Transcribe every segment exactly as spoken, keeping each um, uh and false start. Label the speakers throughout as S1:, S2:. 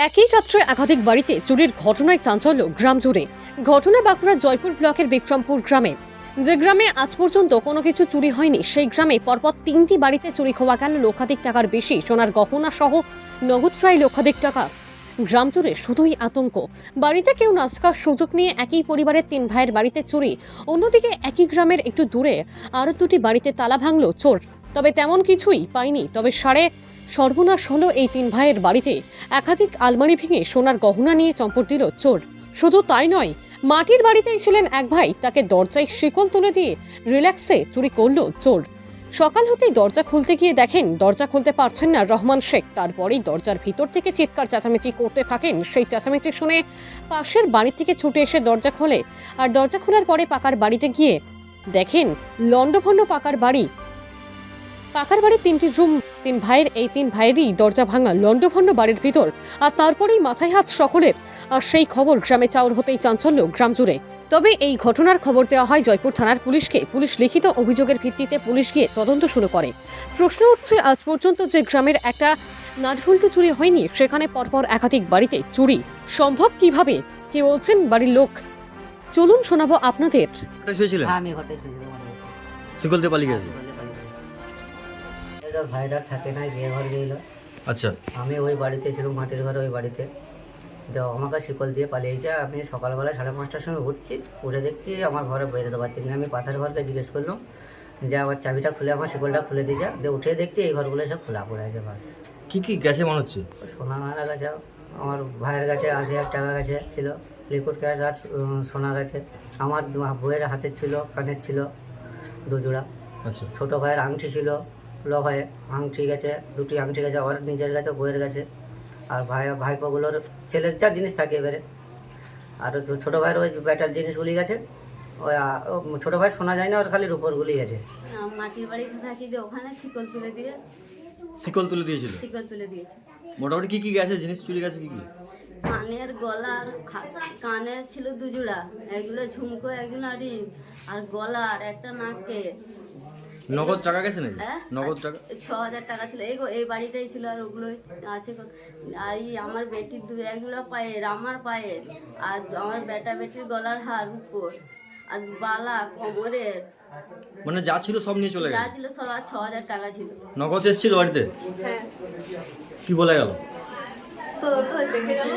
S1: একই রাত্রে একাধিক বাড়িতে চুরির ঘটনায় চাঞ্চল্য গ্রাম জুড়ে। ঘটনা বাঁকুড়ার জয়পুর ব্লকের বিক্রমপুর গ্রামে। যে গ্রামে আজ পর্যন্ত কোনো কিছু চুরি হয়নি, সেই গ্রামে পরপর তিনটি বাড়িতে চুরি হওয়া গেল লক্ষাধিক টাকার বেশি সোনার গহনা সহ নগদ প্রায় লক্ষাধিক টাকা। গ্রাম জুড়ে শুধুই আতঙ্ক। বাড়িতে কেউ না থাকার সুযোগ নিয়ে একই পরিবারের তিন ভাইয়ের বাড়িতে চুরি। অন্যদিকে একই গ্রামের একটু দূরে আরও দুটি বাড়িতে তালা ভাঙল চোর। তবে তেমন কিছুই পায়নি। তবে সাড়ে সর্বনাশ হলো এই তিন ভাইয়ের বাড়িতে। একাধিক আলমারি ভেঙে সোনার গহনা নিয়ে চম্পট দিল চোর। শুধু তাই নয়, মাটির বাড়িতেই ছিলেন এক ভাই, তাকে দরজায় শিকল তুলে দিয়ে রিল্যাক্সে চুরি করলো চোর। সকাল হতেই দরজা খুলতে গিয়ে দেখেন দরজা খুলতে পারছেন না রহমান শেখ। তারপরেই দরজার ভিতর থেকে চিৎকার চেঁচামেচি করতে থাকেন। সেই চেঁচামেচি শুনে পাশের বাড়ি থেকে ছুটে এসে দরজা খোলে। আর দরজা খোলার পরে পাকার বাড়িতে গিয়ে দেখেন লণ্ডভণ্ড পাকার বাড়ি। পাকার বাড়ির তিনটি রুম, তিন ভাইয়ের এই তিন ভাইয়েরই দরজা ভাঙা লণ্ডভণ্ড বাড়ির ভিতর। আর তারপরেই মাথায় হাত সকলের। আর সেই খবর গ্রামে চাউর হতেই চাঞ্চল্য গ্রাম জুড়ে। তবে এই ঘটনার খবর দেওয়া হয় জয়পুর থানার পুলিশকে। পুলিশ লিখিত অভিযোগের ভিত্তিতে পুলিশ গিয়ে তদন্ত শুরু করে। প্রশ্ন উঠছে, আজ পর্যন্ত যে গ্রামের একটা নাটভুল্টু চুরি হয়নি, সেখানে পরপর একাধিক বাড়িতে চুরি সম্ভব কিভাবে? কি বলছেন বাড়ির লোক, চলুন শোনাবো আপনাদের।
S2: আমি ঘটে শুয়েছিলাম।
S3: শিকল দিয়ে পালিয়ে গেছে।
S2: ভাইরা থাকে নাই, বিয়ে ঘর গেল।
S3: আচ্ছা,
S2: আমি ওই বাড়িতে ছিলাম, মাটির ঘরে ওই বাড়িতে। তো আমাকে শিকল দিয়ে পালিয়েছে। আমি সকালবেলা সাড়ে পাঁচটার সময় উঠছি, উঠে দেখছি আমার ঘরে বেরোতে পারছি না। আমি পাথার ঘরকে জিজ্ঞেস করলাম যে আবার চাবিটা খুলে আমার শিকলটা খুলে দিয়ে যা। দিয়ে উঠে দেখছি এই ঘরগুলো সব খোলা পড়ে আছে। বাস
S3: কি কি গেছে মনে হচ্ছে?
S2: সোনা মারা গেছে, আমার ভাইয়ের কাছে আশি হাজার টাকা গেছে ছিল, লিকুইড ক্যাশ আর উম, সোনা গেছে। আমার বইয়ের হাতের ছিল, কানের ছিল দুজোড়া।
S3: আচ্ছা,
S2: ছোটো ভাইয়ের আংটি ছিল, ল ভাইয়ের আংটি গেছে, দুটি আংটি গেছে, ওর নিজের কাছে, বইয়ের কাছে। আর ভাই ভাইপোগুলোর ছেলের যা জিনিস থাকে এবারে। আর তো ছোটো ভাইয়ের ওই ব্যাটার জিনিসগুলি গেছে। ওই আ- ও ছোটো ভাই শোনা যায় না, ওর খালি রূপরগুলি গেছে।
S4: মাটির বাড়িতে থাকি যে ওখানে শিকল তুলে দিয়ে
S3: শিকল তুলে দিয়েছিল।
S4: শিকল তুলে দিয়েছে।
S3: মোটামুটি কি কি গেছে জিনিস চুরি গেছে কি কি?
S4: কানের গলার হা- কানের ছিল দুজোড়া, এগুলো ঝুমকো, একজন রিং, আর গলার একটা নাকে।
S3: নগদ টাকা গেছে নাকি?
S4: হ্যাঁ?
S3: নগদ টাকা
S4: ছ হাজার টাকা ছিল। এই গো- এই বাড়িটাই ছিল, আর ওগুলো আছে কত- আর এই আমার বেটির দু একগুলো পায়ের, আমার পায়ের, আর আমার বেটা বেটির গলার হার উপর, আর বালা কোমরের,
S3: মানে যা ছিল সব নিয়ে চলে
S4: যা
S3: গেছে।
S4: ছিল সব। আর ছ হাজার টাকা ছিল।
S3: নগদ এসেছিল বাড়িতে?
S4: হ্যাঁ,
S3: কি বলে গেল?
S4: তো তো দেখে গেল,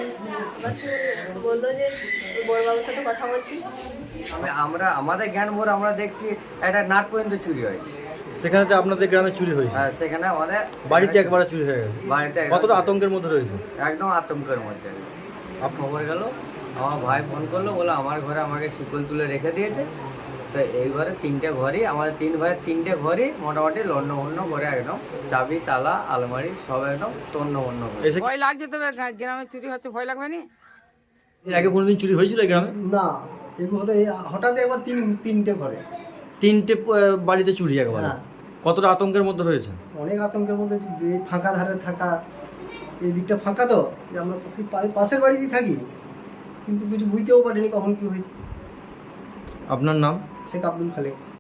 S4: বললো যে বড়বাবুর সাথে কথা বলছি।
S5: আমি- আমরা আমাদের জ্ঞান ভোর আমরা দেখছি একটা নাট পর্যন্ত চুরি হয়।
S3: সেখানে তো আপনাদের গ্রামে চুরি হয়েছে,
S5: আর সেখানে আমাদের
S3: বাড়িতে একবারে চুরি হয়ে গেছে।
S5: বাড়িতে একদম-
S3: কতটা আতঙ্কের মধ্যে রয়েছে?
S5: একদম আতঙ্কের মধ্যে। আর খবর গেল, আমার ভাই ফোন করলো, বলে আমার ঘরে আমাকে শিকল তুলে রেখে দিয়েছে। তো এই ঘরে তিনটে ঘরই, আমাদের তিন ভাইয়ের তিনটে ঘরই মোটামুটি লন্ডভন্ড করে একদম, চাবি তালা আলমারি সব একদম তন্নবন্ন করে।
S3: এসে
S6: ভয় লাগছে, তবে গ্রা- গ্রামে চুরি হচ্ছে, ভয় লাগবে না?
S3: এর আগে কোনোদিন চুরি হয়েছিল এই গ্রামে?
S7: না, এগুলো হতো এই হঠাৎ একবার তিন তিনটে ঘরে।
S3: তিনটে আহ, বাড়িতে চুরি একবারে।
S7: হ্যাঁ।
S3: কতটা আতঙ্কের মধ্যে রয়েছে?
S7: অনেক আতঙ্কের মধ্যে। এই ফাঁকা ধারে থাকা, এই দিকটা ফাঁকা তো, যে আমরা কি পা- পাশের বাড়িতেই থাকি, কিন্তু কিছু বুঝতেও পারিনি কখন কি হয়েছে।
S3: আপনার নাম?
S7: শেখ আব্দুল খালেক।